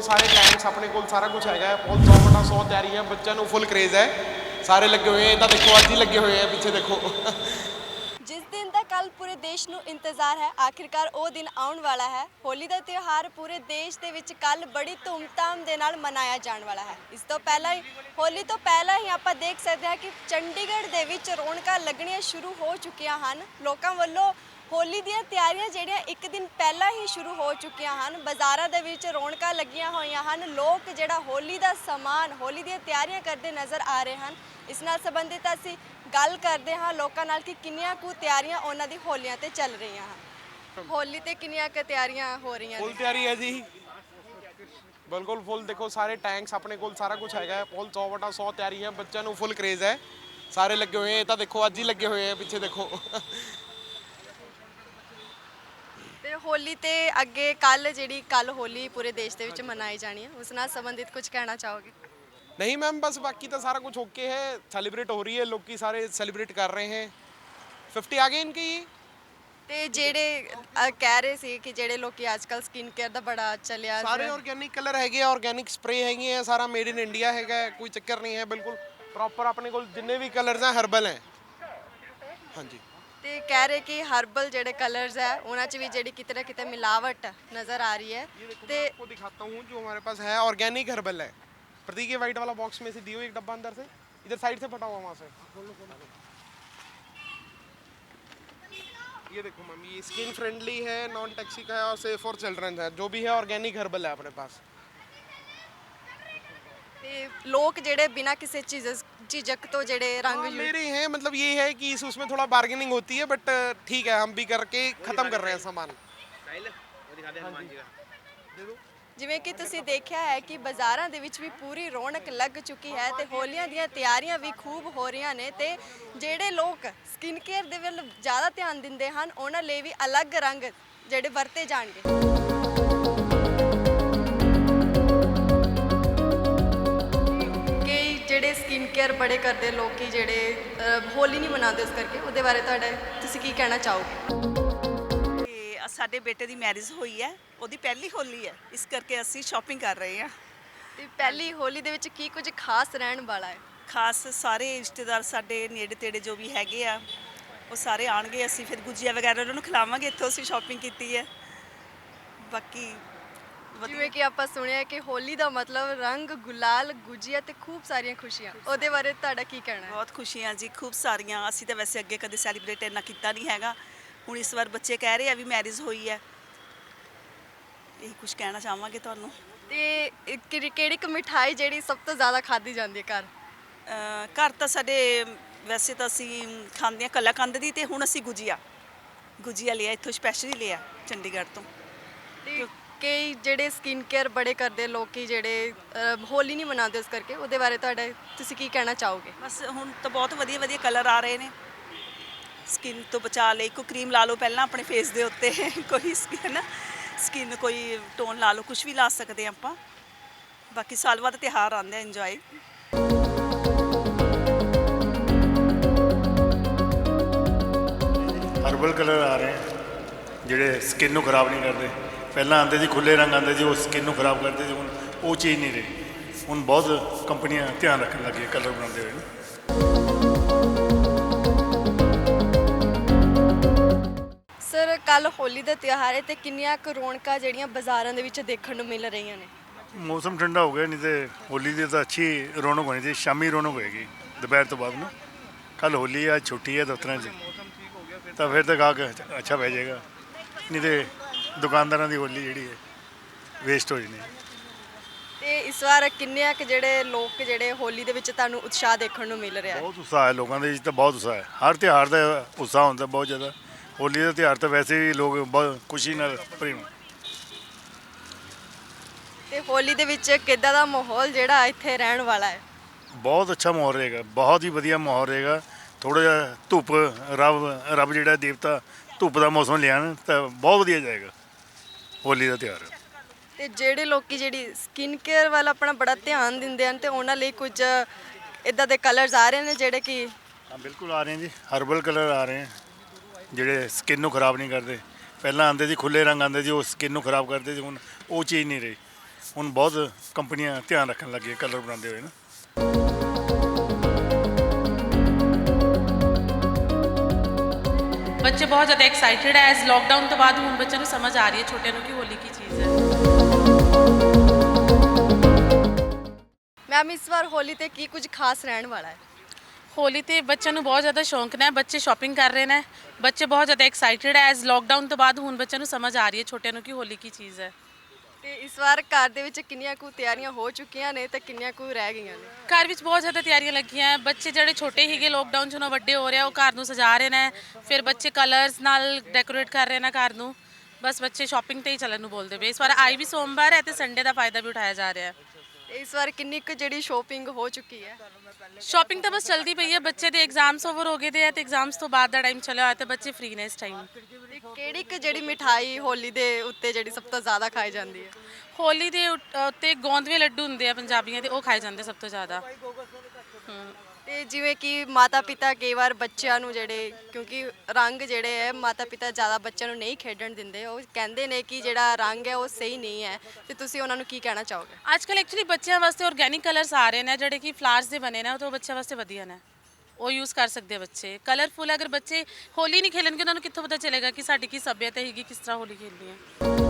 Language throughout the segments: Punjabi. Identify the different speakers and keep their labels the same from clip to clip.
Speaker 1: सारे टैंक्स अपने को सारा कुछ हैगा बहुत 100/100 तैयारी है बच्चों को फुल क्रेज़ है सारे लगे हुए हैं इधर देखो अज ही लगे हुए हैं पीछे देखो
Speaker 2: ਜਿਸ ਦਿਨ ਦਾ ਕੱਲ ਪੂਰੇ ਦੇਸ਼ ਨੂੰ ਇੰਤਜ਼ਾਰ ਹੈ ਆਖਿਰਕਾਰ ਉਹ ਦਿਨ ਆਉਣ ਵਾਲਾ ਹੈ। ਹੋਲੀ ਦਾ ਤਿਉਹਾਰ ਪੂਰੇ ਦੇਸ਼ ਦੇ ਵਿੱਚ ਕੱਲ ਬੜੀ ਧੂਮਧਾਮ ਦੇ ਨਾਲ ਮਨਾਇਆ ਜਾਣ ਵਾਲਾ ਹੈ। ਇਸ ਤੋਂ ਪਹਿਲਾਂ ਹੀ ਹੋਲੀ ਤੋਂ ਪਹਿਲਾਂ ਹੀ ਆਪਾਂ ਦੇਖ ਸਕਦੇ ਹਾਂ ਕਿ ਚੰਡੀਗੜ੍ਹ ਦੇ ਵਿੱਚ ਰੌਣਕਾਂ ਲੱਗਣੀਆਂ ਸ਼ੁਰੂ ਹੋ ਚੁੱਕੀਆਂ ਹਨ। ਲੋਕਾਂ ਵੱਲੋਂ ਹੋਲੀ ਦੀਆਂ ਤਿਆਰੀਆਂ ਜਿਹੜੀਆਂ ਇੱਕ ਦਿਨ ਪਹਿਲਾਂ ਹੀ ਸ਼ੁਰੂ ਹੋ ਚੁੱਕੀਆਂ ਹਨ। ਬਾਜ਼ਾਰਾਂ ਦੇ ਵਿੱਚ ਰੌਣਕਾਂ ਲੱਗੀਆਂ ਹੋਈਆਂ ਹਨ। ਲੋਕ ਜਿਹੜਾ ਹੋਲੀ ਦਾ ਸਮਾਨ ਹੋਲੀ ਦੀਆਂ ਤਿਆਰੀਆਂ ਕਰਦੇ ਨਜ਼ਰ ਆ ਰਹੇ ਹਨ। ਇਸ ਨਾਲ ਸੰਬੰਧਿਤ ਅਸੀਂ ਗੱਲ ਕਰਦੇ ਹਾਂ ਲੋਕਾਂ ਨਾਲ ਕਿ ਕਿੰਨੀਆਂ ਕੁ ਤਿਆਰੀਆਂ ਉਹਨਾਂ ਦੀ ਹੋਲੀਆਂ ਤੇ ਚੱਲ ਰਹੀਆਂ ਹਨ। ਹੋਲੀ ਤੇ ਕਿੰਨੀਆਂ ਕੁ ਤਿਆਰੀਆਂ ਹੋ ਰਹੀਆਂ
Speaker 1: फुल
Speaker 2: ਨੇ?
Speaker 1: तैयारी है जी बिल्कुल फुल देखो सारे टैंक्स अपने को सारा कुछ हैगा फुल 100/100 तैयारी है बच्चों को फुल क्रेज़ है सारे लगे हुए हैं इधर देखो अज ही लगे हुए हैं पीछे देखो
Speaker 2: ਤੇ ਹੋਲੀ ਤੇ ਅੱਗੇ ਕੱਲ ਹੋਲੀ ਪੂਰੇ ਦੇਸ਼ ਦੇ ਵਿੱਚ ਮਨਾਈ ਜਾਣੀ ਹੈ ਉਸ ਨਾਲ ਸੰਬੰਧਿਤ ਕੁਝ ਕਹਿਣਾ ਚਾਹੋਗੇ?
Speaker 1: नहीं मैम बस बाकी तो सारा कुछ ओके है सेलिब्रेट हो रही है लोग की सारे सेलिब्रेट कर रहे हैं 50 आ गए इनकी
Speaker 2: ਤੇ ਜਿਹੜੇ ਕਹਿ ਰਹੇ ਸੀ ਕਿ ਜਿਹੜੇ ਲੋਕੀ ਅੱਜਕੱਲ ਸਕਿਨ ਕੇਅਰ ਦਾ ਬੜਾ ਚੱਲਿਆ
Speaker 1: सारे ऑर्गेनिक कलर हैगे ऑर्गेनिक स्प्रे हैगे हैं सारा मेड इन इंडिया हैगा कोई चक्कर नहीं है बिल्कुल प्रॉपर अपने को जितने भी कलर्स हैं हर्बल हैं हाँ जी
Speaker 2: ਤੇ ਕਹਿ ਰਹੇ ਕਿ ਹਰਬਲ ਜਿਹੜੇ ਕਲਰਸ ਹੈ ਉਹਨਾਂ 'ਚ ਵੀ ਜਿਹੜੀ ਕਿਤੇ ਨਾ ਕਿਤੇ ਮਿਲਾਵਟ ਨਜ਼ਰ ਆ ਰਹੀ ਹੈ।
Speaker 1: ये देखो
Speaker 2: ਤੇ
Speaker 1: मैं आपको दिखाता हूँ जो हमारे पास है ऑर्गेनिक हर्बल है प्रतीक ये वाइट वाला बॉक्स में से दियो एक डब्बा अंदर से इधर साइड से फटा हुआ वहाँ से ये देखो मैम ये स्किन फ्रेंडली है नॉन टॉक्सिक है और सेफ फॉर चिल्ड्रन है जो भी है ऑर्गेनिक हर्बल है अपने पास
Speaker 2: ਤੇ ਲੋਕ ਜਿਹੜੇ ਬਿਨਾਂ ਕਿਸੇ ਝਿਜਕ ਤੋਂ ਜਿਹੜੇ ਰੰਗ
Speaker 1: हाँ, ले रहे हैं मतलब ये है कि उसमें थोड़ा बार्गेनिंग होती है बट ठीक है हम भी करके ख़त्म कर रहे हैं सामान
Speaker 2: ਜਿਵੇਂ ਕਿ ਤੁਸੀਂ ਦੇਖਿਆ ਹੈ ਕਿ ਬਾਜ਼ਾਰਾਂ ਦੇ ਵਿੱਚ ਵੀ ਪੂਰੀ ਰੌਣਕ ਲੱਗ ਚੁੱਕੀ ਹੈ ਤੇ ਹੋਲੀਆਂ ਦੀਆਂ ਤਿਆਰੀਆਂ ਵੀ ਖੂਬ ਹੋ ਰਹੀਆਂ ਨੇ ਤੇ ਜਿਹੜੇ ਲੋਕ ਸਕਿਨ ਕੇਅਰ ਦੇ ਵੱਲ ਜ਼ਿਆਦਾ ਧਿਆਨ ਦਿੰਦੇ ਹਨ ਉਹਨਾਂ ਲਈ ਵੀ ਅਲੱਗ ਰੰਗ ਜਿਹੜੇ ਵਰਤੇ ਜਾਣਗੇ। ਕਈ ਜਿਹੜੇ ਸਕਿਨ ਕੇਅਰ ਬੜੇ ਕਰਦੇ ਲੋਕੀ ਜਿਹੜੇ ਹੋਲੀ ਨਹੀਂ ਮਨਾਉਂਦੇ ਉਸ ਕਰਕੇ ਉਹਦੇ ਬਾਰੇ ਤੁਸੀਂ ਕੀ ਕਹਿਣਾ ਚਾਹੋਗੇ?
Speaker 3: ਤੇ ਸਾਡੇ ਬੇਟੇ ਦੀ ਮੈਰਿਜ ਹੋਈ ਹੈ ਉਹਦੀ ਪਹਿਲੀ ਹੋਲੀ ਹੈ ਇਸ ਕਰਕੇ ਅਸੀਂ ਸ਼ਾਪਿੰਗ ਕਰ ਰਹੇ ਹਾਂ।
Speaker 2: ਤੇ ਪਹਿਲੀ ਹੋਲੀ ਦੇ ਵਿੱਚ ਕੀ ਕੁਝ ਖਾਸ ਰਹਿਣ ਵਾਲਾ ਹੈ?
Speaker 3: ਖਾਸ ਸਾਰੇ ਰਿਸ਼ਤੇਦਾਰ ਸਾਡੇ ਨੇੜੇ ਤੇੜੇ ਜੋ ਵੀ ਹੈਗੇ ਆ ਉਹ ਸਾਰੇ ਆਣਗੇ ਅਸੀਂ ਫਿਰ ਗੁਜੀਆ ਵਗੈਰਾ ਉਹਨਾਂ ਨੂੰ ਖਿਲਾਵਾਂਗੇ ਇੱਥੋਂ ਅਸੀਂ ਸ਼ਾਪਿੰਗ ਕੀਤੀ ਹੈ। ਬਾਕੀ
Speaker 2: ਜਿਵੇਂ ਕਿ ਆਪਾਂ ਸੁਣਿਆ ਕਿ ਹੋਲੀ ਦਾ ਮਤਲਬ ਰੰਗ ਗੁਲਾਲ ਗੁਜੀਆ ਤੇ ਖੂਬ ਸਾਰੀਆਂ ਖੁਸ਼ੀਆਂ ਉਹਦੇ ਬਾਰੇ ਤੁਹਾਡਾ ਕੀ ਕਹਿਣਾ ਹੈ?
Speaker 3: ਬਹੁਤ ਖੁਸ਼ੀਆਂ ਜੀ ਖੂਬ ਸਾਰੀਆਂ ਅਸੀਂ ਤਾਂ ਵੈਸੇ ਅੱਗੇ ਕਦੇ ਸੈਲੀਬ੍ਰੇਟ ਇੰਨਾ ਕੀਤਾ ਨਹੀਂ ਹੈਗਾ ਹੁਣ ਇਸ ਵਾਰ ਬੱਚੇ ਕਹਿ ਰਹੇ ਆ ਵੀ ਮੈਰਿਜ ਹੋਈ ਹੈ ਇਹ ਕੁਝ ਕਹਿਣਾ ਚਾਹਾਂਗੇ ਤੁਹਾਨੂੰ।
Speaker 2: ਤੇ ਕਿਹੜੀ ਕੁ ਮਿਠਾਈ ਜਿਹੜੀ ਸਭ ਤੋਂ ਜ਼ਿਆਦਾ ਖਾਧੀ ਜਾਂਦੀ ਹੈ ਘਰ?
Speaker 3: ਘਰ ਤਾਂ ਸਾਡੇ ਵੈਸੇ ਤਾਂ ਅਸੀਂ ਖਾਂਦੇ ਹਾਂ ਕਲਾਕੰਦ ਦੀ ਤੇ ਹੁਣ ਅਸੀਂ ਗੁਜੀਆ ਲਿਆ ਇੱਥੋਂ ਸਪੈਸ਼ਲੀ ਲਿਆ ਚੰਡੀਗੜ੍ਹ ਤੋਂ।
Speaker 2: ਤੇ ਕਈ ਜਿਹੜੇ ਸਕਿਨ ਕੇਅਰ ਬੜੇ ਕਰਦੇ ਲੋਕੀ ਜਿਹੜੇ ਹੋਲੀ ਨਹੀਂ ਮਨਾਉਂਦੇ ਉਸ ਕਰਕੇ ਉਹਦੇ ਬਾਰੇ ਤੁਸੀਂ ਕੀ ਕਹਿਣਾ ਚਾਹੋਗੇ?
Speaker 3: ਬਸ ਹੁਣ ਤਾਂ ਬਹੁਤ ਵਧੀਆ ਵਧੀਆ ਕਲਰ ਆ ਰਹੇ ਨੇ ਸਕਿਨ ਤੋਂ ਬਚਾ ਲਈ ਕੋਈ ਕਰੀਮ ਲਾ ਲਓ ਪਹਿਲਾਂ ਆਪਣੇ ਫੇਸ ਦੇ ਉੱਤੇ ਕੋਈ ਸਕਿਨ ਕੋਈ ਟੋਨ ਲਾ ਲਓ ਕੁਝ ਵੀ ਲਾ ਸਕਦੇ ਆਪਾਂ ਬਾਕੀ ਸਾਲ ਬਾਅਦ ਤਿਉਹਾਰ ਆਉਂਦੇ ਆ ਇੰਜੋਏ।
Speaker 4: ਹਰਬਲ ਕਲਰ ਆ ਰਹੇ ਜਿਹੜੇ ਸਕਿਨ ਨੂੰ ਖਰਾਬ ਨਹੀਂ ਕਰਦੇ ਪਹਿਲਾਂ ਆਉਂਦੇ ਸੀ ਖੁੱਲੇ ਰੰਗ ਆਉਂਦੇ ਸੀ ਉਹ ਸਕਿਨ ਨੂੰ ਖਰਾਬ ਕਰਦੇ ਸੀ ਹੁਣ ਉਹ ਚੀਜ਼ ਨਹੀਂ ਰਹੀ ਹੁਣ ਬਹੁਤ ਕੰਪਨੀਆਂ ਧਿਆਨ ਰੱਖਣ ਲੱਗੀਆਂ ਕਲਰ ਬਣਾਉਂਦੇ ਹੋਏ।
Speaker 2: ਸਰ ਕੱਲ ਹੋਲੀ ਦਾ ਤਿਉਹਾਰ ਹੈ ਤੇ ਕਿੰਨੀਆਂ ਕੁ ਰੌਣਕਾਂ ਜਿਹੜੀਆਂ ਬਾਜ਼ਾਰਾਂ ਦੇ ਵਿੱਚ ਦੇਖਣ ਨੂੰ ਮਿਲ ਰਹੀਆਂ ਨੇ?
Speaker 4: ਮੌਸਮ ਠੰਡਾ ਹੋ ਗਿਆ ਨਹੀਂ ਤੇ ਹੋਲੀ ਦੀ ਤਾਂ ਅੱਛੀ ਰੌਣਕ ਹੋਣੀ ਸੀ ਸ਼ਾਮੀ ਰੌਣਕ ਹੋਏਗੀ ਦੁਪਹਿਰ ਤੋਂ ਬਾਅਦ ਨਾ ਕੱਲ ਹੋਲੀ ਆ ਛੁੱਟੀ ਹੈ ਦਫ਼ਤਰਾਂ 'ਚ ਤਾਂ ਫਿਰ ਤਾਂ ਗਾਹਕ ਅੱਛਾ ਪੈ ਜਾਏਗਾ ਨਹੀਂ ਤੇ ਦੁਕਾਨਦਾਰਾਂ ਦੀ ਹੋਲੀ ਜਿਹੜੀ ਹੈ ਵੇਸਟ ਹੋ ਜਾਣੀ ਹੈ।
Speaker 2: ਤੇ ਇਸ ਵਾਰ ਕਿੰਨੇ ਕੁ ਜਿਹੜੇ ਲੋਕ ਜਿਹੜੇ ਹੋਲੀ ਦੇ ਵਿੱਚ ਤੁਹਾਨੂੰ ਉਤਸ਼ਾਹ ਦੇਖਣ ਨੂੰ ਮਿਲ ਰਿਹਾ ਹੈ?
Speaker 4: ਬਹੁਤ ਉਤਸ਼ਾਹ ਹੈ ਲੋਕਾਂ ਦੇ ਵਿੱਚ ਤਾਂ ਬਹੁਤ ਉਤਸ਼ਾਹ ਹੈ ਹਰ ਤਿਉਹਾਰ ਦਾ ਉਤਸ਼ਾਹ ਹੁੰਦਾ ਬਹੁਤ ਜ਼ਿਆਦਾ ਹੋਲੀ ਦਾ ਤਿਉਹਾਰ ਤਾਂ ਵੈਸੇ ਵੀ ਲੋਕ ਬਹੁਤ ਖੁਸ਼ੀ ਨਾਲ ਭਰੇ ਹੋਣ।
Speaker 2: ਤੇ ਹੋਲੀ ਦੇ ਵਿੱਚ ਕਿੱਦਾਂ ਦਾ ਮਾਹੌਲ ਜਿਹੜਾ ਇੱਥੇ ਰਹਿਣ ਵਾਲਾ ਹੈ?
Speaker 4: ਬਹੁਤ ਅੱਛਾ ਮਾਹੌਲ ਰਹੇਗਾ ਬਹੁਤ ਹੀ ਵਧੀਆ ਮਾਹੌਲ ਰਹੇਗਾ ਥੋੜ੍ਹਾ ਜਿਹਾ ਧੁੱਪ ਰੱਬ ਜਿਹੜਾ ਦੇਵਤਾ ਧੁੱਪ ਦਾ ਮੌਸਮ ਲਿਆਉਣ ਤਾਂ ਬਹੁਤ ਵਧੀਆ ਜਾਏਗਾ ਹੋਲੀ ਦਾ ਤਿਉਹਾਰ।
Speaker 2: ਤੇ ਜਿਹੜੇ ਲੋਕੀ ਜਿਹੜੀ ਸਕਿਨ ਕੇਅਰ ਵੱਲ ਆਪਣਾ ਬੜਾ ਧਿਆਨ ਦਿੰਦੇ ਹਨ ਤੇ ਉਹਨਾਂ ਲਈ ਕੁਝ ਇਦਾਂ ਦੇ ਕਲਰਸ ਆ ਰਹੇ ਨੇ ਜਿਹੜੇ ਕਿ
Speaker 4: ਹਾਂ ਬਿਲਕੁਲ ਆ ਰਹੇ ਜੀ ਹਰਬਲ ਕਲਰ ਆ ਰਹੇ ਜਿਹੜੇ ਸਕਿਨ ਨੂੰ ਖਰਾਬ ਨਹੀਂ ਕਰਦੇ ਪਹਿਲਾਂ ਆਉਂਦੇ ਸੀ ਖੁੱਲੇ ਰੰਗ ਆਉਂਦੇ ਸੀ ਉਹ ਸਕਿਨ ਨੂੰ ਖਰਾਬ ਕਰਦੇ ਸੀ ਹੁਣ ਉਹ ਚੀਜ਼ ਨਹੀਂ ਰਹੀ ਹੁਣ ਬਹੁਤ ਕੰਪਨੀਆਂ ਧਿਆਨ ਰੱਖਣ ਲੱਗੀਆਂ ਕਲਰ ਬਣਾਉਂਦੇ ਹੋਏ ਨਾ।
Speaker 5: ਬੱਚੇ ਬਹੁਤ ਜ਼ਿਆਦਾ ਐਕਸਾਈਟਿਡ ਹੈ। ਐਜ਼ ਲੋਕਡਾਊਨ ਤੋਂ ਬਾਅਦ ਹੁਣ ਬੱਚਿਆਂ ਨੂੰ ਸਮਝ ਆ ਰਹੀ ਹੈ ਛੋਟਿਆਂ ਨੂੰ ਕਿ ਹੋਲੀ ਕੀ ਚੀਜ਼ ਹੈ।
Speaker 2: ਮੈਮ ਇਸ ਵਾਰ ਹੋਲੀ ਤੇ ਕੀ ਕੁਝ ਖਾਸ ਰਹਿਣ ਵਾਲਾ ਹੈ?
Speaker 5: ਹੋਲੀ ਤੇ ਬੱਚਿਆਂ ਨੂੰ ਬਹੁਤ ਜ਼ਿਆਦਾ ਸ਼ੌਂਕ ਨੇ, ਬੱਚੇ ਸ਼ਾਪਿੰਗ ਕਰ ਰਹੇ ਨੇ, ਬੱਚੇ ਬਹੁਤ ਜ਼ਿਆਦਾ ਐਕਸਾਈਟਿਡ ਹੈ। ਐਜ਼ ਲੋਕਡਾਊਨ ਤੋਂ ਬਾਅਦ ਹੁਣ ਬੱਚਿਆਂ ਨੂੰ ਸਮਝ ਆ ਰਹੀ ਹੈ ਛੋਟਿਆਂ ਨੂੰ ਕਿ ਹੋਲੀ ਕੀ ਚੀਜ਼ ਹੈ।
Speaker 2: ਤੇ ਇਸ ਵਾਰ ਘਰ ਦੇ ਵਿੱਚ ਕਿੰਨੀਆਂ ਕੁ ਤਿਆਰੀਆਂ ਹੋ ਚੁੱਕੀਆਂ ਨੇ ਤੇ ਕਿੰਨੀਆਂ ਕੁ ਰਹਿ ਗਈਆਂ ਨੇ?
Speaker 5: ਘਰ ਵਿੱਚ ਬਹੁਤ ਜ਼ਿਆਦਾ ਤਿਆਰੀਆਂ ਲੱਗੀਆਂ ਹੈ। ਬੱਚੇ ਜਿਹੜੇ ਛੋਟੇ ਸੀਗੇ ਲੋਕਡਾਊਨ 'ਚ, ਹੁਣ ਉਹ ਵੱਡੇ ਹੋ ਰਹੇ ਆ, ਉਹ ਘਰ ਨੂੰ ਸਜਾ ਰਹੇ ਨੇ। ਫਿਰ ਬੱਚੇ ਕਲਰਸ ਨਾਲ ਡੈਕੋਰੇਟ ਕਰ ਰਹੇ ਨੇ ਘਰ ਨੂੰ। ਬਸ ਬੱਚੇ ਸ਼ਾਪਿੰਗ ਤੇ ਹੀ ਚੱਲਣ ਨੂੰ ਬੋਲਦੇ ਪਏ। ਇਸ ਵਾਰ ਆਈ ਵੀ ਸੋਮਵਾਰ ਹੈ ਤੇ ਸੰਡੇ ਦਾ ਫਾਇਦਾ ਵੀ ਉਠਾਇਆ ਜਾ ਰਿਹਾ ਹੈ।
Speaker 2: ਤੇ ਇਸ ਵਾਰ ਕਿੰਨੀ ਕੁ ਜਿਹੜੀ ਸ਼ੋਪਿੰਗ ਹੋ ਚੁੱਕੀ ਹੈ?
Speaker 5: ਸ਼ਾਪਿੰਗ ਤਾਂ ਬਸ ਚਲਦੀ ਪਈ ਹੈ। ਬੱਚੇ ਦੇ ਐਗਜ਼ਾਮਸ ਓਵਰ ਹੋ ਗਏ ਦੇ ਆ ਤੇ ਐਗਜ਼ਾਮਸ ਤੋਂ ਬਾਅਦ ਦਾ ਟਾਈਮ ਚੱਲਿਆ ਹੋਇਆ ਤੇ ਬੱਚੇ ਫ੍ਰੀ ਨੇ ਇਸ ਟਾਈਮ।
Speaker 2: ਤੇ ਕਿਹੜੀ ਕੁ ਜਿਹੜੀ ਮਿਠਾਈ ਹੋਲੀ ਦੇ ਉੱਤੇ ਜਿਹੜੀ ਸਭ ਤੋਂ ਜ਼ਿਆਦਾ ਖਾਈ ਜਾਂਦੀ ਹੈ?
Speaker 5: ਹੋਲੀ ਦੇ ਉੱਤੇ ਗੋਂਦਵੇ ਲੱਡੂ ਹੁੰਦੇ ਆ ਪੰਜਾਬੀਆਂ ਦੇ, ਉਹ ਖਾਏ ਜਾਂਦੇ ਸਭ ਤੋਂ ਜ਼ਿਆਦਾ।
Speaker 2: ਤੇ ਜਿਵੇਂ ਕਿ ਮਾਤਾ ਪਿਤਾ ਕਈ ਵਾਰ ਬੱਚਿਆਂ ਨੂੰ ਜਿਹੜੇ, ਕਿਉਂਕਿ ਰੰਗ ਜਿਹੜੇ ਹੈ ਮਾਤਾ ਪਿਤਾ ਜ਼ਿਆਦਾ ਬੱਚਿਆਂ ਨੂੰ ਨਹੀਂ ਖੇਡਣ ਦਿੰਦੇ, ਉਹ ਕਹਿੰਦੇ ਨੇ ਕਿ ਜਿਹੜਾ ਰੰਗ ਹੈ ਉਹ ਸਹੀ ਨਹੀਂ ਹੈ, ਤੇ ਤੁਸੀਂ ਉਹਨਾਂ ਨੂੰ ਕੀ ਕਹਿਣਾ ਚਾਹੋਗੇ?
Speaker 5: ਅੱਜ ਕੱਲ੍ਹ ਐਕਚੁਅਲੀ ਬੱਚਿਆਂ ਵਾਸਤੇ ਆਰਗੈਨਿਕ ਕਲਰਸ ਆ ਰਹੇ ਨੇ ਜਿਹੜੇ ਕਿ ਫਲਾਵਰਸ ਦੇ ਬਣੇ ਨੇ, ਉਹ ਤਾਂ ਬੱਚਿਆਂ ਵਾਸਤੇ ਵਧੀਆ ਨੇ, ਉਹ ਯੂਜ਼ ਕਰ ਸਕਦੇ ਆ ਬੱਚੇ। ਕਲਰਫੁਲ ਅਗਰ ਬੱਚੇ ਹੋਲੀ ਨਹੀਂ ਖੇਲਣਗੇ ਉਹਨਾਂ ਨੂੰ ਕਿੱਥੋਂ ਪਤਾ ਚੱਲੇਗਾ ਕਿ ਸਾਡੀ ਕੀ ਸੱਭਿਅਤਾ ਹੈਗੀ, ਕਿਸ ਤਰ੍ਹਾਂ ਹੋਲੀ ਖੇਲਣੀ ਹੈ।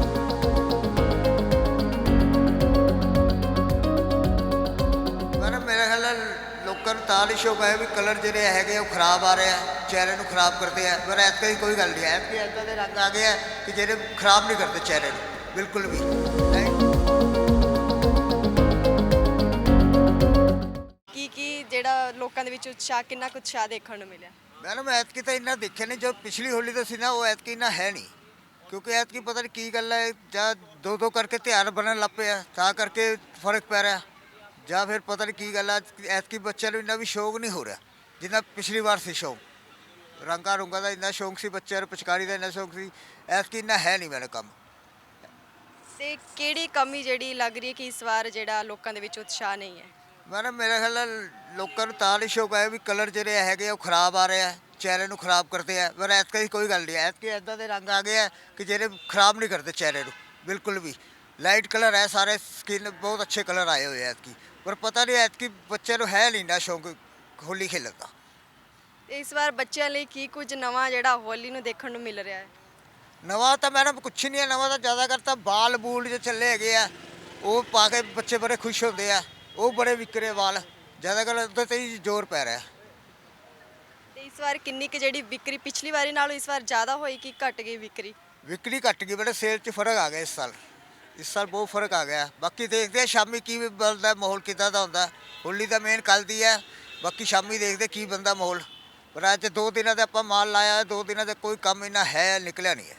Speaker 6: ਮੈਡਮ ਮੇਰੇ ਖਿਆਲ ਨਾਲ ਲੋਕਾਂ ਨੂੰ ਤਾਂ ਨਹੀਂ ਸ਼ੌਕ ਹੈ ਵੀ ਕਲਰ ਜਿਹੜੇ ਹੈਗੇ ਉਹ ਖਰਾਬ ਆ ਰਹੇ ਆ, ਚਿਹਰੇ ਨੂੰ ਖਰਾਬ ਕਰਦੇ ਆ। ਪਰ ਐਤਕਾਂ ਦੀ ਕੋਈ ਗੱਲ ਨਹੀਂ ਹੈ, ਐਤਕੀ ਇੱਦਾਂ ਦੇ ਰੰਗ ਆ ਗਏ ਆ ਕਿ ਜਿਹੜੇ ਖਰਾਬ ਨਹੀਂ ਕਰਦੇ ਚਿਹਰੇ ਨੂੰ ਬਿਲਕੁਲ ਵੀ।
Speaker 2: ਕੀ ਜਿਹੜਾ ਲੋਕਾਂ ਦੇ ਵਿੱਚ ਉਤਸ਼ਾਹ, ਕਿੰਨਾ ਕੁ ਉਤਸ਼ਾਹ ਦੇਖਣ ਨੂੰ ਮਿਲਿਆ?
Speaker 6: ਮੈਡਮ ਐਤਕੀ ਤਾਂ ਇੰਨਾ ਦੇਖਿਆ ਨਹੀਂ, ਜੋ ਪਿਛਲੀ ਹੋਲੀ ਤੋਂ ਸੀ ਨਾ ਉਹ ਐਤਕੀ ਇੰਨਾ ਹੈ ਨਹੀਂ, ਕਿਉਂਕਿ ਐਤਕੀ ਪਤਾ ਨਹੀਂ ਕੀ ਗੱਲ ਹੈ, ਜਾਂ ਦੋ ਕਰਕੇ ਤਿਉਹਾਰ ਬਣਨ ਲੱਗ ਪਏ ਆ ਤਾਂ ਕਰਕੇ ਫਰਕ ਪੈ ਰਿਹਾ, ਜਾਂ ਫਿਰ ਪਤਾ ਨਹੀਂ ਕੀ ਗੱਲ ਆ। ਐਤਕੀ ਬੱਚਿਆਂ ਨੂੰ ਇੰਨਾ ਵੀ ਸ਼ੌਕ ਨਹੀਂ ਹੋ ਰਿਹਾ ਜਿੰਨਾ ਪਿਛਲੀ ਵਾਰ ਸੀ ਸ਼ੌਕ। ਰੰਗਾਂ ਰੁੰਗਾਂ ਦਾ ਇੰਨਾ ਸ਼ੌਕ ਸੀ ਬੱਚਿਆਂ ਨੂੰ, ਪਿਚਕਾਰੀ ਦਾ ਇੰਨਾ ਸ਼ੌਕ ਸੀ, ਐਤਕੀ ਇੰਨਾ ਹੈ ਨਹੀਂ ਮੇਰੇ ਕੰਮ।
Speaker 2: ਤੇ ਕਿਹੜੀ ਕਮੀ ਜਿਹੜੀ ਲੱਗ ਰਹੀ ਹੈ ਕਿ ਇਸ ਵਾਰ ਜਿਹੜਾ ਲੋਕਾਂ ਦੇ ਵਿੱਚ ਉਤਸ਼ਾਹ ਨਹੀਂ ਹੈ?
Speaker 6: ਮੈਡਮ ਮੇਰੇ ਖਿਆਲ ਨਾਲ ਲੋਕਾਂ ਨੂੰ ਤਾਂ ਨਹੀਂ ਸ਼ੌਕ ਹੈ ਵੀ ਕਲਰ ਜਿਹੜੇ ਹੈਗੇ ਉਹ ਖਰਾਬ ਆ ਰਹੇ ਆ, ਚਿਹਰੇ ਨੂੰ ਖਰਾਬ ਕਰਦੇ ਆ। ਪਰ ਐਤਕਾਂ ਦੀ ਕੋਈ ਗੱਲ ਨਹੀਂ, ਐਤਕੀ ਇੱਦਾਂ ਦੇ ਰੰਗ ਆ ਗਏ ਆ ਕਿ ਜਿਹੜੇ ਖਰਾਬ ਨਹੀਂ ਕਰਦੇ ਚਿਹਰੇ ਨੂੰ ਬਿਲਕੁਲ ਵੀ। ਲਾਈਟ ਕਲਰ ਹੈ ਸਾਰੇ, ਸਕਿਨ ਬਹੁਤ ਅੱਛੇ ਕਲਰ ਆਏ ਹੋਏ ਆ ਐਤਕੀ। ਪਰ ਪਤਾ ਨਹੀਂ ਐਤਕੀ ਬੱਚਿਆਂ ਨੂੰ ਹੈ ਨਹੀਂ ਨਾ ਸ਼ੌਕ ਹੋਲੀ ਖੇਲਣ ਦਾ।
Speaker 2: ਤੇ ਇਸ ਵਾਰ ਬੱਚਿਆਂ ਲਈ ਕੀ ਕੁਝ ਨਵਾਂ ਜਿਹੜਾ ਹੋਲੀ ਨੂੰ ਦੇਖਣ ਨੂੰ ਮਿਲ ਰਿਹਾ ਹੈ?
Speaker 6: ਨਵਾਂ ਤਾਂ ਮੈਡਮ ਕੁਛ ਨਹੀਂ ਹੈ, ਨਵਾਂ ਤਾਂ ਜ਼ਿਆਦਾ ਕਰਤਾ ਬਾਲ ਬੂਲ ਜੋ ਚੱਲੇ ਹੈਗੇ ਆ ਉਹ ਪਾ ਕੇ ਬੱਚੇ ਬੜੇ ਖੁਸ਼ ਹੁੰਦੇ ਆ, ਉਹ ਬੜੇ ਵਿਕਰੇ ਵਾਲ, ਜ਼ਿਆਦਾਤਰ ਉਹਦੇ ਤੇ ਹੀ ਜ਼ੋਰ ਪੈ ਰਿਹਾ।
Speaker 2: ਤੇ ਇਸ ਵਾਰ ਕਿੰਨੀ ਕੁ ਜਿਹੜੀ ਵਿਕਰੀ ਪਿਛਲੀ ਵਾਰੀ ਨਾਲੋਂ ਇਸ ਵਾਰ ਜ਼ਿਆਦਾ ਹੋਈ ਕਿ ਘਟ ਗਈ ਵਿਕਰੀ?
Speaker 6: ਵਿਕਰੀ ਘੱਟ ਗਈ ਬੜੇ, ਸੇਲ 'ਚ ਫਰਕ ਆ ਗਿਆ ਇਸ ਸਾਲ ਬਹੁਤ ਫਰਕ ਆ ਗਿਆ। ਬਾਕੀ ਦੇਖਦੇ ਆ ਸ਼ਾਮੀ ਕੀ ਬਣਦਾ, ਮਾਹੌਲ ਕਿੱਦਾਂ ਦਾ ਹੁੰਦਾ। ਹੋਲੀ ਦਾ ਮੇਨ ਕੱਲ੍ਹ ਦੀ ਹੈ, ਬਾਕੀ ਸ਼ਾਮੀ ਦੇਖਦੇ ਕੀ ਬਣਦਾ ਮਾਹੌਲ। ਪਰ ਅੱਜ 2 ਦਿਨਾਂ ਦਾ ਆਪਾਂ ਮਾਲ ਲਾਇਆ, 2 ਦਿਨਾਂ ਦਾ ਕੋਈ ਕੰਮ ਇੰਨਾ ਹੈ ਨਿਕਲਿਆ ਨਹੀਂ ਹੈ।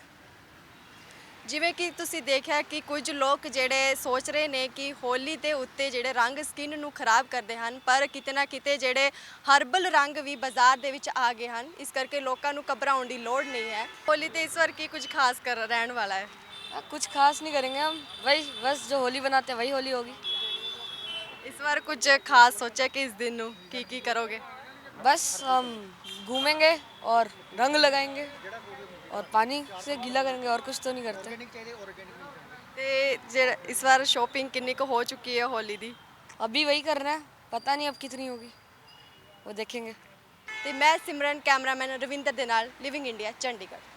Speaker 2: ਜਿਵੇਂ ਕਿ ਤੁਸੀਂ ਦੇਖਿਆ ਕਿ ਕੁਝ ਲੋਕ ਜਿਹੜੇ ਸੋਚ ਰਹੇ ਨੇ ਕਿ ਹੋਲੀ ਦੇ ਉੱਤੇ ਜਿਹੜੇ ਰੰਗ ਸਕਿਨ ਨੂੰ ਖਰਾਬ ਕਰਦੇ ਹਨ, ਪਰ ਕਿਤੇ ਨਾ ਕਿਤੇ ਜਿਹੜੇ ਹਰਬਲ ਰੰਗ ਵੀ ਬਾਜ਼ਾਰ ਦੇ ਵਿੱਚ ਆ ਗਏ ਹਨ, ਇਸ ਕਰਕੇ ਲੋਕਾਂ ਨੂੰ ਘਬਰਾਉਣ ਦੀ ਲੋੜ ਨਹੀਂ ਹੈ। ਹੋਲੀ ਤੇ ਇਸ ਵਾਰ ਕੀ ਕੁਝ ਖਾਸ ਕਰ ਰਹਿਣ ਵਾਲਾ ਹੈ?
Speaker 7: कुछ खास नहीं करेंगे हम, वही बस जो होली बनाते हैं वही होली होगी।
Speaker 2: ਇਸ ਵਾਰ ਕੁਝ ਖਾਸ ਸੋਚਿਆ ਕਿ ਇਸ ਦਿਨ ਨੂੰ ਕੀ ਕਰੋਗੇ?
Speaker 7: बस हम घूमेंगे और रंग लगाएंगे और पानी से गीला करेंगे और कुछ तो नहीं करते।
Speaker 2: ਤੇ ਜਿਹੜਾ ਇਸ ਵਾਰ ਸ਼ੋਪਿੰਗ ਕਿੰਨੀ ਕੁ ਹੋ ਚੁੱਕੀ ਹੈ ਹੋਲੀ ਦੀ?
Speaker 7: अभी वही करना है, पता नहीं अब कितनी होगी, वो देखेंगे।
Speaker 2: ਤੇ ਮੈਂ ਸਿਮਰਨ, ਕੈਮਰਾਮੈਨ ਰਵਿੰਦਰ ਦੇ ਨਾਲ, ਲਿਵਿੰਗ ਇੰਡੀਆ, ਚੰਡੀਗੜ੍ਹ।